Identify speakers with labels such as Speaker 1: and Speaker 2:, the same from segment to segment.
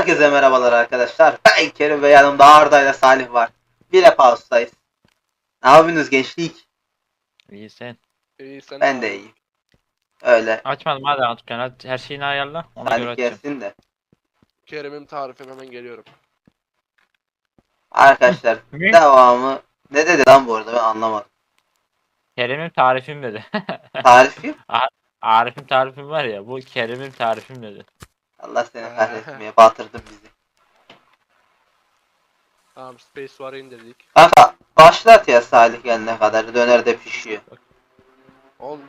Speaker 1: Herkese merhabalar arkadaşlar. Ben Kerim ve yanımda Arda ile Salih var. Bir House'dayız. Ne yapıyorsunuz gençlik?
Speaker 2: İyi sen.
Speaker 3: İyi sen
Speaker 1: Ben
Speaker 3: ne
Speaker 1: de
Speaker 3: yapıyorsun?
Speaker 1: iyiyim. Öyle.
Speaker 2: Açmadım hadi dükkanı. Hadi her şeyini ayarla. Ona göre
Speaker 1: Salih
Speaker 2: açacağım.
Speaker 1: gelsin de.
Speaker 3: Kerem'in tarifim hemen geliyorum.
Speaker 1: Arkadaşlar
Speaker 2: Ne?
Speaker 1: devamı ne dedi lan bu arada ben anlamadım.
Speaker 2: Kerim'im tarifim dedi.
Speaker 1: Tarifi?
Speaker 2: Arif'im tarifim var ya. Bu Kerim'im tarifim dedi.
Speaker 1: Allah seni kahretmeye batırdın bizi.
Speaker 3: Tamam Space War'ı indirdik.
Speaker 1: Kanka başlat ya Salih gelene kadar döner de pişiyor.
Speaker 3: Oğlum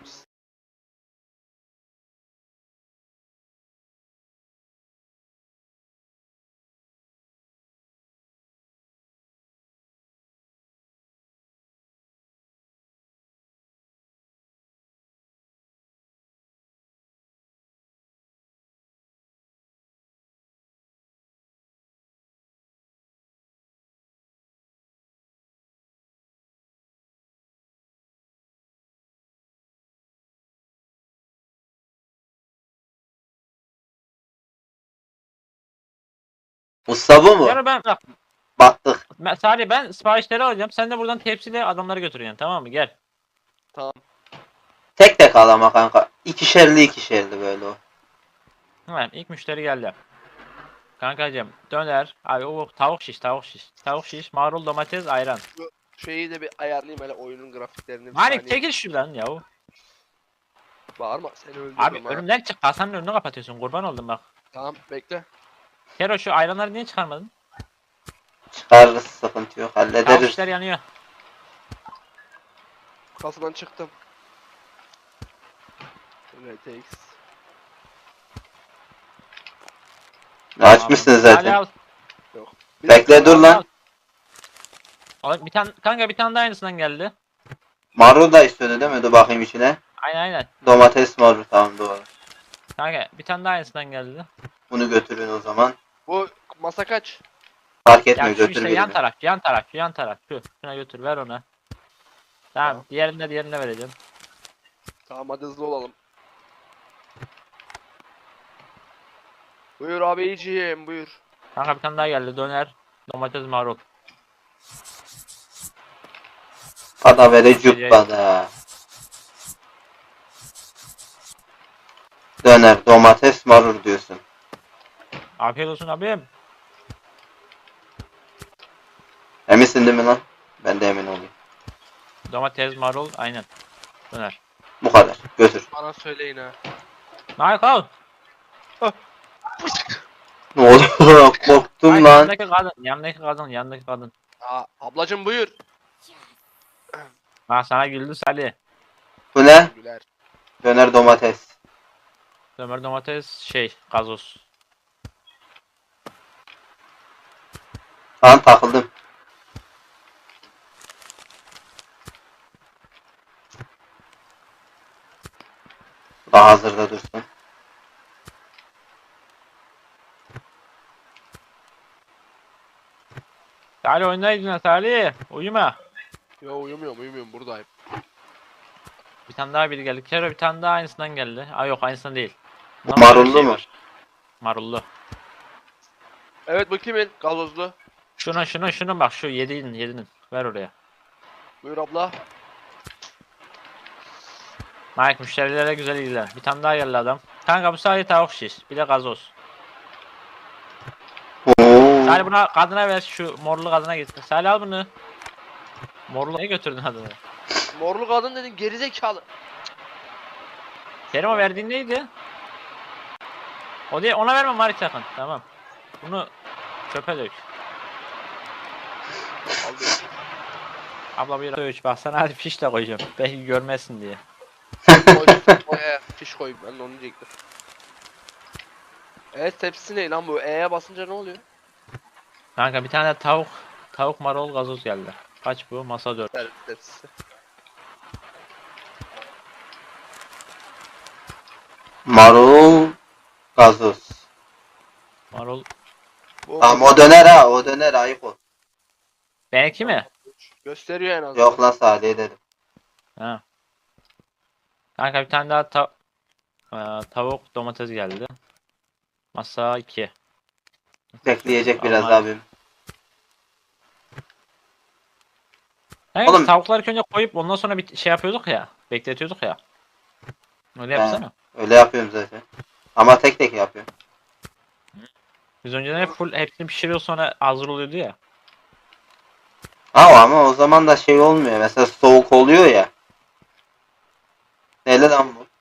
Speaker 1: Usta bu mu?
Speaker 2: Yani ben bak.
Speaker 1: Battık.
Speaker 2: Sadece ben siparişleri alacağım. Sen de buradan tepsiyle adamları götüreceksin. Tamam mı? Gel.
Speaker 3: tamam.
Speaker 1: Tek tek al ama kanka. İkişerli böyle o.
Speaker 2: Hemen ilk müşteri geldi. Kankacığım döner. Abi o tavuk şiş, tavuk şiş. Tavuk şiş, marul, domates, ayran.
Speaker 3: Şeyi de bir ayarlayayım hele oyunun grafiklerini bir
Speaker 2: Malik
Speaker 3: saniye.
Speaker 2: çekil şuradan yahu.
Speaker 3: Bağırma seni öldürürüm
Speaker 2: Abi
Speaker 3: ha.
Speaker 2: önümden çık. Kasanın önünü kapatıyorsun. Kurban oldum bak.
Speaker 3: Tamam bekle.
Speaker 2: Kero şu ayranları niye çıkarmadın?
Speaker 1: Çıkarırız sıkıntı yok
Speaker 2: Tavuk
Speaker 1: hallederiz.
Speaker 2: şişler yanıyor.
Speaker 3: Kasadan çıktım. RTX.
Speaker 1: Açmışsın
Speaker 2: Salih
Speaker 1: zaten.
Speaker 2: al.
Speaker 3: Bir
Speaker 1: Bekle
Speaker 3: dakika,
Speaker 1: dur lan.
Speaker 2: Oğlum bir tane kanka bir tane daha aynısından geldi.
Speaker 1: Marul da istiyordu değil mi? Dur bakayım içine.
Speaker 2: Aynen.
Speaker 1: Domates marul tamam doğru.
Speaker 2: Kanka bir tane daha aynısından geldi.
Speaker 1: Bunu götürün o zaman.
Speaker 3: Bu masa kaç?
Speaker 1: Fark
Speaker 2: Ya
Speaker 1: etmiyor
Speaker 2: şu
Speaker 1: götür
Speaker 2: işte
Speaker 1: birini.
Speaker 2: yan taraf şu. Şuna götür ver ona. Tamam,
Speaker 3: Tamam.
Speaker 2: diğerine vereceğim.
Speaker 3: Tamam hadi hızlı olalım. Buyur abiciğim buyur.
Speaker 2: Kanka bir tane daha geldi döner. Domates marul.
Speaker 1: Ada vere cübbada. Döner, domates, marul diyorsun.
Speaker 2: Afiyet olsun abim.
Speaker 1: Eminsin değil mi lan? Ben de emin olayım.
Speaker 2: Domates marul aynen. Döner.
Speaker 1: Bu kadar. Götür.
Speaker 3: Bana söyleyin ha.
Speaker 2: Michael.
Speaker 1: Ne oldu? Korktum
Speaker 2: Ay,
Speaker 1: lan.
Speaker 2: Yanındaki kadın.
Speaker 3: Aa, ablacım buyur.
Speaker 2: Ha sana güldü Salih.
Speaker 1: Bu ne?
Speaker 3: Güler.
Speaker 1: Döner domates.
Speaker 2: Döner domates gazoz.
Speaker 1: Lan takıldım. Daha hazırda dursun.
Speaker 2: Salih oynaydın Salih. Uyuma.
Speaker 3: Yo uyumuyorum buradayım.
Speaker 2: Bir tane daha biri geldi. Kero bir tane daha aynısından geldi. Aa yok aynısından değil. Bundan başka bir
Speaker 1: Marullu mu?
Speaker 2: var. Marullu.
Speaker 3: Evet bu kimin? Gazozlu.
Speaker 2: Şunu bak şu yedinin. Ver oraya.
Speaker 3: Buyur abla.
Speaker 2: Mike müşterilere güzel ilgilen. Bir tane daha geldi adam. Kanka bu sadece tavuk şiş. Bir de gazoz.
Speaker 1: Oo.
Speaker 2: Salih buna kadına ver şu morlu kadına git. Salih al bunu. Morlu ne götürdün adını?
Speaker 3: Morlu kadın dedin gerizekalı.
Speaker 2: Kerim o verdiğin neydi? O değil ona verme Mari sakın. Tamam. Bunu çöpe dök.
Speaker 3: Aldım.
Speaker 2: Abla bir dök. Bak sana hadi fiş de koyacağım. Belki görmezsin diye.
Speaker 3: Koy, fiş koy ben de onu diyecektim. Evet tepsisi ne lan bu? E'ye basınca ne oluyor?
Speaker 2: Kanka bir tane tavuk marul gazoz geldi. Kaç bu? Masa 4.
Speaker 3: Servis tepsisi.
Speaker 1: Marul. Gazoz.
Speaker 2: Marul.
Speaker 3: Bu
Speaker 1: Tamam o döner ha. O döner ayıp o.
Speaker 2: Benimki mi?
Speaker 3: gösteriyor en azından.
Speaker 1: Yok lan Salih'e dedim.
Speaker 2: Ha. Kanka bir tane daha tavuk domates geldi. Masa 2.
Speaker 1: Bekleyecek biraz
Speaker 2: Vallahi.
Speaker 1: abim.
Speaker 2: Hani
Speaker 1: Oğlum-
Speaker 2: biz tavukları ilk önce koyup ondan sonra bir şey yapıyorduk ya. Bekletiyorduk ya. Öyle yapsana.
Speaker 1: Öyle yapıyorum zaten. Ama tek tek yapıyorum.
Speaker 2: Biz önceden hep full hepsini pişiriyor sonra hazır oluyordu ya.
Speaker 1: Ama o zaman da şey olmuyor. Mesela soğuk oluyor ya. Neyle lan bu?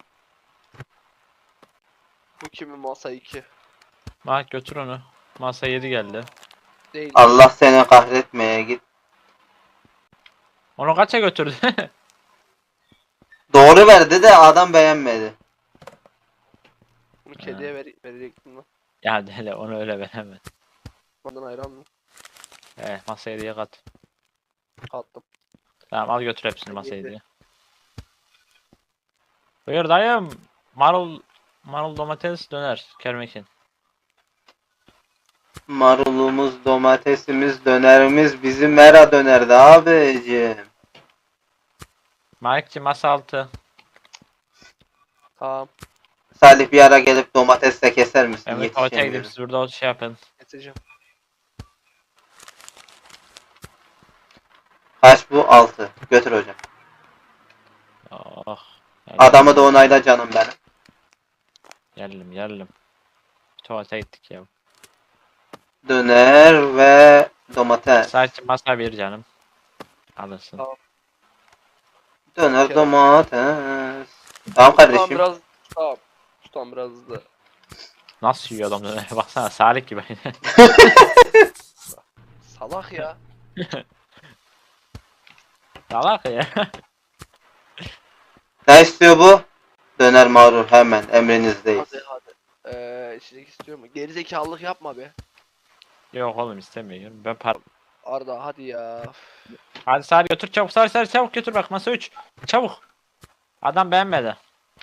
Speaker 3: Bu kimin masa 2?
Speaker 2: Bak götür onu. Masa 7 geldi.
Speaker 3: Değil.
Speaker 1: Allah seni kahretmeye git.
Speaker 2: Onu kaça götürdü?
Speaker 1: Doğru verdi de adam beğenmedi.
Speaker 3: Bunu kediye verecektim lan.
Speaker 2: Ya dele onu öyle veremem.
Speaker 3: Ondan ayran mı?
Speaker 2: Masa 7'ye kat.
Speaker 3: Kattım.
Speaker 2: Tamam al götür hepsini masa
Speaker 3: Yedi.
Speaker 2: 7'ye. Buyur dayım. Marul domates döner. Kermekin.
Speaker 1: Marulumuz, domatesimiz, dönerimiz bizim mera dönerdi abicim.
Speaker 2: Malikçi masa 6.
Speaker 3: Tamam.
Speaker 1: Salih bir ara gelip domatesle keser misin?
Speaker 2: Evet tuvalete gidip
Speaker 1: Yetişemiyorum.
Speaker 2: siz burada şey yapın.
Speaker 3: Getireceğim.
Speaker 1: Kaç bu? 6. Götür hocam.
Speaker 2: Oh.
Speaker 1: Adamı da onayla canım benim.
Speaker 2: Geldim. Tuvalete gittik ya.
Speaker 1: Döner ve domates.
Speaker 2: Sadece masa bir canım. Alırsın.
Speaker 3: Tamam.
Speaker 1: Döner
Speaker 3: Kere.
Speaker 1: domates. Tamam
Speaker 3: Tamam
Speaker 1: kardeşim.
Speaker 3: biraz. Tamam. Tutam biraz hızlı.
Speaker 2: Nasıl yiyor adam döner? Baksana Salih gibi.
Speaker 3: Salak ya.
Speaker 2: Salak ya.
Speaker 1: Ne istiyor bu? Döner marul hemen emrinizdeyiz.
Speaker 3: Hadi. İçecek istiyor mu? Gerizekalılık yapma be.
Speaker 2: Yok oğlum istemiyorum. Ben par.
Speaker 3: Arda hadi ya.
Speaker 2: Hadi Salih götür çabuk Salih çabuk götür bak masa 3. Çabuk. Adam beğenmedi.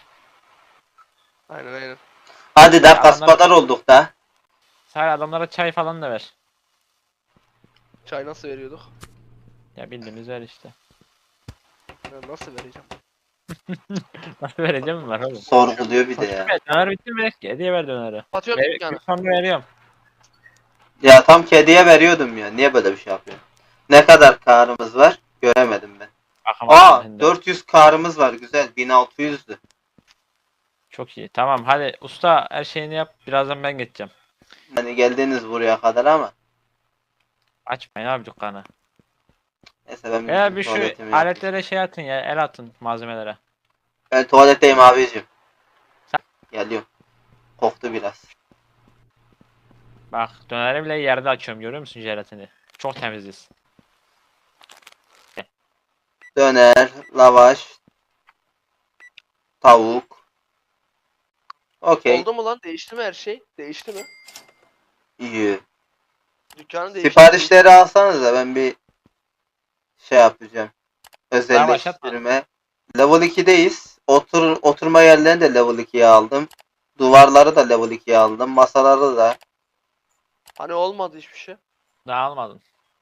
Speaker 3: Aynen.
Speaker 1: Hadi de
Speaker 2: Adamlar-
Speaker 1: kaspadar olduk da.
Speaker 2: Salih adamlara çay falan da ver.
Speaker 3: Çay nasıl veriyorduk?
Speaker 2: Ya bildiğiniz ver işte.
Speaker 3: Ben nasıl vereceğim?
Speaker 2: Nasıl vereceğim mi var oğlum?
Speaker 1: Sorguluyor bir de ya.
Speaker 2: Evet, döner bitti mi? Hediye ver döneri.
Speaker 3: Kapatıyorum dükkanı.
Speaker 2: Gün sonra veriyorum.
Speaker 1: Ya tam kediye veriyordum ya. Niye böyle bir şey yapıyor? Ne kadar karımız var? Göremedim ben.
Speaker 2: Bakamadım ben de.
Speaker 1: 400 karımız var. Güzel. 1600'dü.
Speaker 2: Çok iyi. Tamam hadi usta her şeyini yap. Birazdan ben geçeceğim.
Speaker 1: Hani geldiniz buraya kadar ama.
Speaker 2: Açmayın abi dükkanı.
Speaker 1: Neyse ben
Speaker 2: Veya bir şu
Speaker 1: tuvaletimi yapayım.
Speaker 2: aletlere şey atın ya. El atın malzemelere.
Speaker 1: Ben tuvaletteyim abicim.
Speaker 2: Sen-
Speaker 1: Geliyorum. Koktu biraz.
Speaker 2: Bak döneri bile yerde açıyorum. Görüyor musun jelatini? Çok temiziz.
Speaker 1: Döner, lavaş, tavuk. Okey.
Speaker 3: Oldu mu lan? Değişti mi her şey? Değişti mi?
Speaker 1: İyi.
Speaker 3: Dükkanı değişti.
Speaker 1: Siparişleri alsanız da ben bir şey yapacağım.
Speaker 2: Daha başlatma.
Speaker 1: Özelleştirme. Level 2'deyiz. Oturma yerlerini de level 2'ye aldım. Duvarları da level 2'ye aldım. Masaları da.
Speaker 3: Hani olmadı hiçbir şey.
Speaker 2: Daha almadın.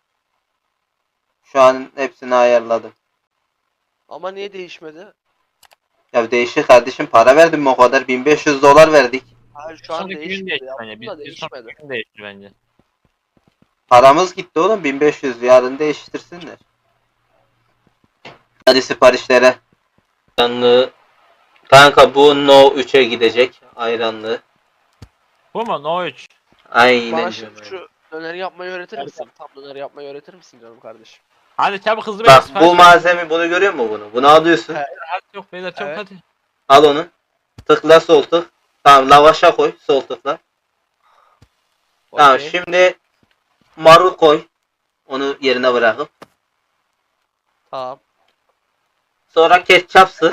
Speaker 1: Şu an hepsini ayarladım.
Speaker 3: Ama niye değişmedi?
Speaker 1: Ya değişik kardeşim, para verdim mi o kadar? 1500 dolar verdik.
Speaker 3: Hayır şu an
Speaker 2: Sonraki gün
Speaker 3: değişmedi.
Speaker 2: değişti
Speaker 3: Yaptım
Speaker 2: bence.
Speaker 3: da
Speaker 2: Bir
Speaker 3: değişmedi.
Speaker 2: sonraki gün değişti bence.
Speaker 1: Paramız gitti oğlum, 1500, yarın değiştirsinler. Hadi siparişlere. Ayranlı. Kanka bu No 3'e gidecek. Ayranlı.
Speaker 2: Bu mu? No 3.
Speaker 1: Aynen.
Speaker 3: Bana
Speaker 1: canım.
Speaker 3: şu döneri yapmayı öğretir
Speaker 2: Evet.
Speaker 3: misin? Tam döneri yapmayı öğretir misin canım kardeşim?
Speaker 2: Hadi çabuk hızlı
Speaker 1: Bak
Speaker 2: sipariş
Speaker 1: bu
Speaker 2: ver.
Speaker 1: malzeme, bunu görüyor musun bunu? Bunu alıyorsun.
Speaker 3: He.
Speaker 2: Hadi yok beyler çabuk
Speaker 3: Evet.
Speaker 2: hadi.
Speaker 1: Al onu. Tıkla sol tık. Tamam, lavaşa koy sol tıkla. Tamam
Speaker 3: Okey.
Speaker 1: şimdi marul koy. Onu yerine bırakıp.
Speaker 3: Tamam.
Speaker 1: Sonra ketçap sık.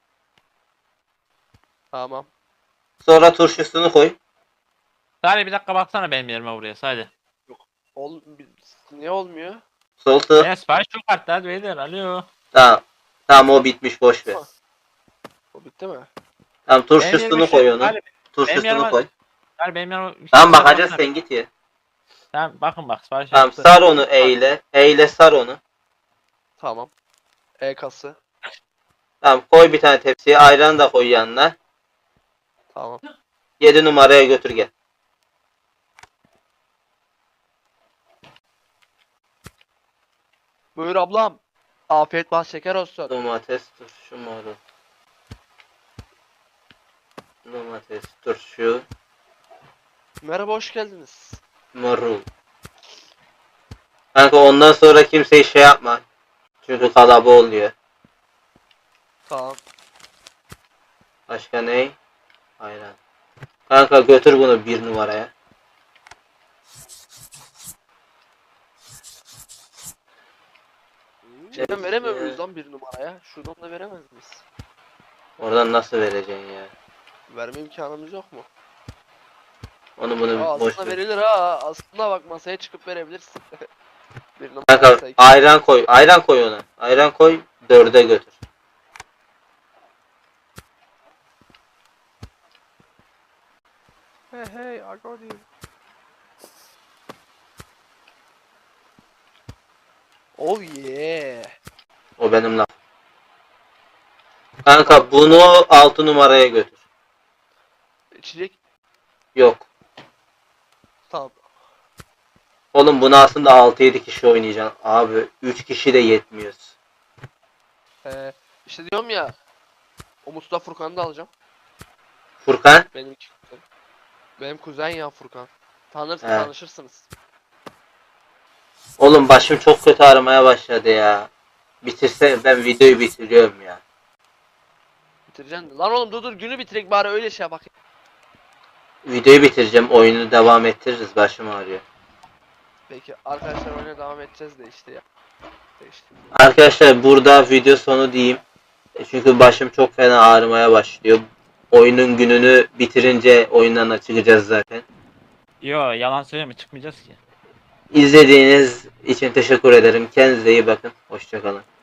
Speaker 3: Tamam.
Speaker 1: Sonra turşusunu koy.
Speaker 2: Salih bir dakika baksana benim yerime buraya hadi.
Speaker 3: Niye olmuyor?
Speaker 1: Sol tık.
Speaker 2: Ya sipariş çok arttı hadi beyler alo.
Speaker 1: Tamam. Tamam o bitmiş, boş ver.
Speaker 3: O bitti mi?
Speaker 1: Tamam
Speaker 2: Benim yerime
Speaker 1: turşusunu
Speaker 2: şu-
Speaker 1: koy onu.
Speaker 2: Salih,
Speaker 1: Turşusunu
Speaker 2: yerime-
Speaker 1: koy.
Speaker 2: Salih benim yerime.
Speaker 1: Tamam bakacağız, sen git ya.
Speaker 2: Tamam bakın bak sipariş
Speaker 1: Tamam
Speaker 2: yaptı.
Speaker 1: sar onu eyle. Eyle sar onu.
Speaker 3: Tamam. E-kası.
Speaker 1: Tamam koy bir tane tepsiye, ayranı da koy yanına.
Speaker 3: Tamam.
Speaker 1: 7 numaraya götür gel.
Speaker 3: Buyur ablam. Afiyet bal şeker olsun.
Speaker 1: Domates, turşu, marul. Domates, turşu,
Speaker 3: Merhaba hoş geldiniz.
Speaker 1: marul. Kanka ondan sonra kimseyi şey yapma. Çünkü kalaba oluyor.
Speaker 3: Tamam.
Speaker 1: Başka ne? Ayran. Kanka götür bunu 1 numaraya.
Speaker 3: Şeyden veremiyor muyuz lan bir numaraya? Şuradan da veremez miyiz?
Speaker 1: Oradan nasıl vereceksin ya?
Speaker 3: Verme imkanımız yok mu?
Speaker 1: Onu bunu
Speaker 3: Aa,
Speaker 1: boş
Speaker 3: aslında
Speaker 1: ver.
Speaker 3: verilir ha. Aslında bak masaya çıkıp verebilirsin. Bir numara
Speaker 1: Kanka
Speaker 3: masaya-
Speaker 1: ayran koy. Ayran koy ona. Ayran koy 4'e götür.
Speaker 3: Hey hey I got you. Oh yeah.
Speaker 1: O benim laf. Kanka bunu 6 numaraya götür.
Speaker 3: İçecek.
Speaker 1: Yok.
Speaker 3: Tamam.
Speaker 1: Oğlum bunu aslında 6-7 kişi oynayacaksın. Abi 3 kişi de yetmiyoruz.
Speaker 3: İşte diyorum ya. O Mustafa Furkan'ı da alacağım.
Speaker 1: Furkan.
Speaker 3: Benim iki kuzenim. Benim kuzen ya Furkan.
Speaker 1: He.
Speaker 3: Tanışırsınız.
Speaker 1: Oğlum başım çok kötü ağrımaya başladı ya. Bitirse ben videoyu bitiriyorum ya.
Speaker 3: Bitireceksin. Lan oğlum dur günü bitirek bari öyle şey bak.
Speaker 1: Videoyu bitireceğim. Oyunu devam ettiririz. Başım ağrıyor.
Speaker 3: Peki arkadaşlar oyuna devam edeceğiz de işte ya. İşte.
Speaker 1: Arkadaşlar burada video sonu diyeyim. Çünkü başım çok fena ağrımaya başlıyor. Oyunun gününü bitirince oyundan çıkacağız zaten.
Speaker 2: Yo yalan söyleme çıkmayacağız ki.
Speaker 1: İzlediğiniz için teşekkür ederim. Kendinize iyi bakın. Hoşçakalın.